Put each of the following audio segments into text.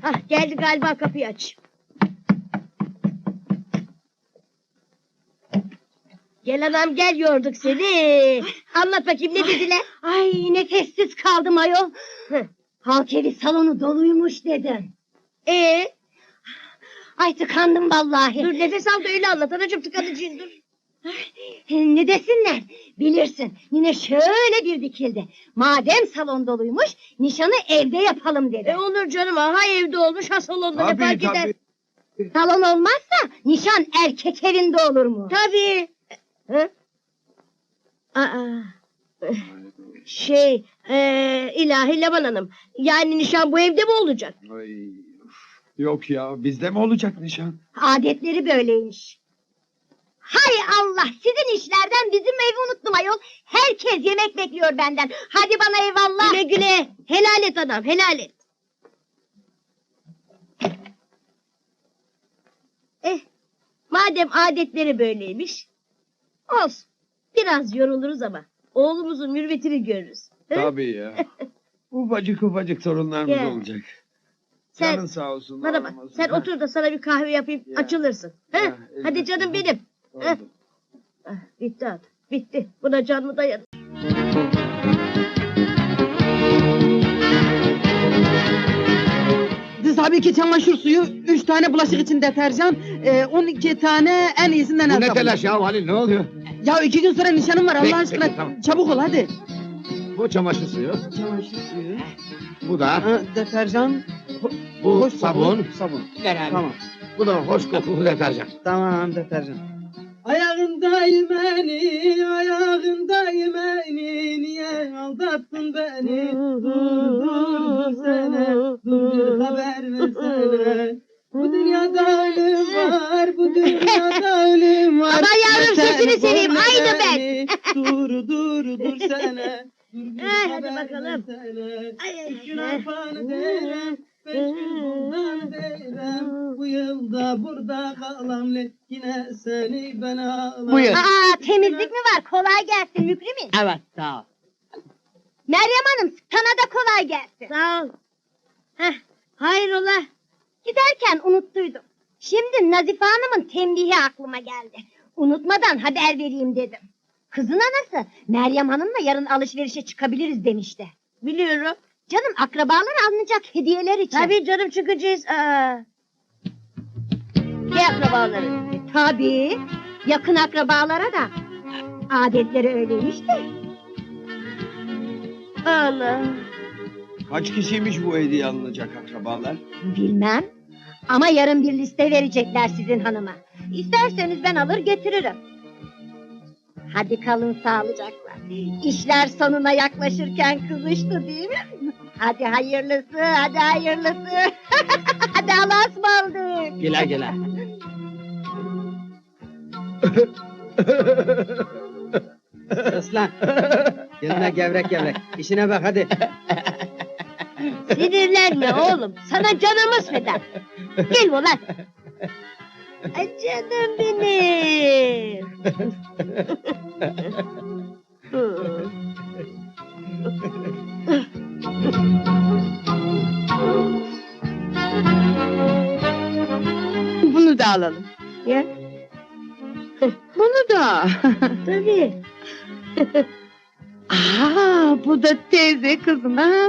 Hah, geldi galiba, kapıyı aç. Gel anam gel, yorduk seni. Anlat bakayım, ne dediler? Ay nefessiz kaldım ayol. Hı. Halk evi salonu doluymuş dedim. Ay tıkandım vallahi. Dur nefes al da öyle anlat anacığım, tıkanıcıyım dur. Ne desinler? Bilirsin yine şöyle bir dikildi. Madem salon doluymuş nişanı evde yapalım dedi. Olur canım, ha evde olmuş ha salonda, ne fark eder? Salon olmazsa nişan erkek evinde olur mu? Tabii. Hı? Aa. İlahi Leman Hanım, yani nişan bu evde mi olacak? Ay, yok ya, bizde mi olacak nişan? Adetleri böyleymiş. Hay Allah, sizin işlerden bizim evi unuttum ayol. Herkes yemek bekliyor benden. Hadi bana eyvallah. Güle güle, helal et adam, helal et. Madem adetleri böyleymiş, olsun. Biraz yoruluruz ama oğlumuzun mürvetini görürüz. Hı? Tabii ya. Ufacık ufacık torunlarımız Gel. olacak. Sen, Canın sağ olsun. bana bak, ağlamasın. sen Ha, otur da sana bir kahve yapayım, Ya. açılırsın. Hı? Ya, Hadi elbette. canım benim. oldu. Heh. Bitti adam, bitti. Buna can mı dayanır? Tabii ki çamaşır suyu, 3 tane bulaşık için deterjan, 12 tane en iyisinden Bu el ne sabunu. telaş ya Halil, ne oluyor? Ya 2 gün sonra nişanım var Allah Peki, aşkına. peki, tamam. Çabuk ol hadi. Bu çamaşır suyu, Çamaşır suyu, bu da, deterjan, bu hoş sabun, sabun. beraber. Tamam. Bu da hoş kokulu deterjan. Tamam deterjan. Ayağında imeni, ayağında imeni, niye aldattın beni? Dur sene, dur bir haber versene. Bu dünyada ölüm var, bu dünyada ölüm var. Aman yavrum, Sen sesini seveyim, koy aynı ben. beni. Dur sene. Dur bir Hadi haber bakalım. versene. Ay, Üç gün arpanı derim, 5 gün bundan derim. Bu yılda burada kalam, yine seni ben ağlam. Buyur. Aa, temizlik mi var? Kolay gelsin Mükrimin. Evet sağ ol. Meryem Hanım, sana da kolay gelsin. Sağ ol. Heh, hayrola? Giderken unuttuydum. Şimdi Nazife Hanım'ın tembihi aklıma geldi. Unutmadan haber vereyim dedim. Kızın anası Meryem Hanım'la yarın alışverişe çıkabiliriz demişti. Biliyorum. Canım akrabalar alınacak hediyeler için. Tabii canım, çıkacağız. Ne akrabaları? Tabii. Yakın akrabalara da. Adetleri öyleymiş de. Allah. Kaç kişiymiş bu hediye alınacak akrabalar? Bilmem. Ama yarın bir liste verecekler sizin hanıma. İsterseniz ben alır getiririm. Hadi kalın sağlıcakla. İşler sonuna yaklaşırken kızıştı değil mi? Hadi hayırlısı, hadi hayırlısı. Hadi Allah'a ısmarladık. Gele gele. Aslan. Yanına gevrek gevrek. İşine bak hadi. Sinirlenme oğlum. Sana canımız feda. Gel ulan. Ay canım benim. Bunu da alalım. Ya, Bunu da. tabii. Bu da teyze kızına.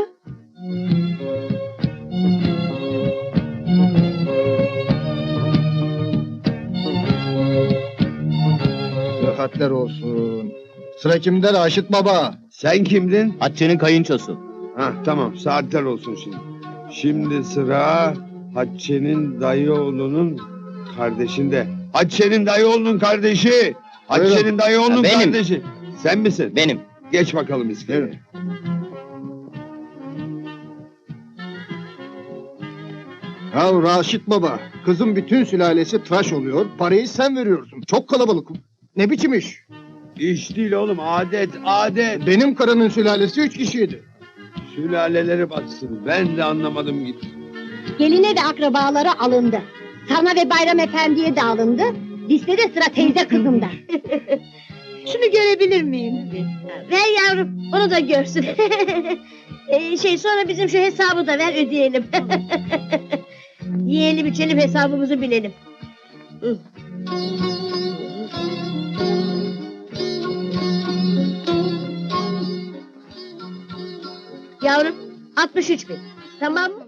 Sıhhatler olsun. Sıra kimde Raşit Baba? Sen kimdin? Hatice'nin kayınçosu. Hah tamam, saatler olsun şimdi. Şimdi sıra Hatice'nin dayı oğlunun kardeşinde. Hatice'nin dayı oğlunun kardeşi. Hatice'nin dayı oğlunun Benim. kardeşi. Sen misin? Benim. Geç bakalım iskeleye. Evet. Ya Raşit Baba, kızın bütün sülalesi tıraş oluyor, parayı sen veriyorsun. Çok kalabalık. Ne biçim iş? İş değil oğlum, adet, adet. Benim karının sülalesi 3 kişiydi. Sülaleleri batsın. Ben de anlamadım gitti. Geline ve akrabalara alındı. Sana ve Bayram Efendi'ye de alındı. Listede sıra teyze kızımda. Şunu görebilir miyim? Ver yavrum, onu da görsün. Sonra bizim şu hesabı da ver, ödeyelim. Yiyelim içelim hesabımızı bilelim. Hı. Yavrum 63 bin. Tamam mı?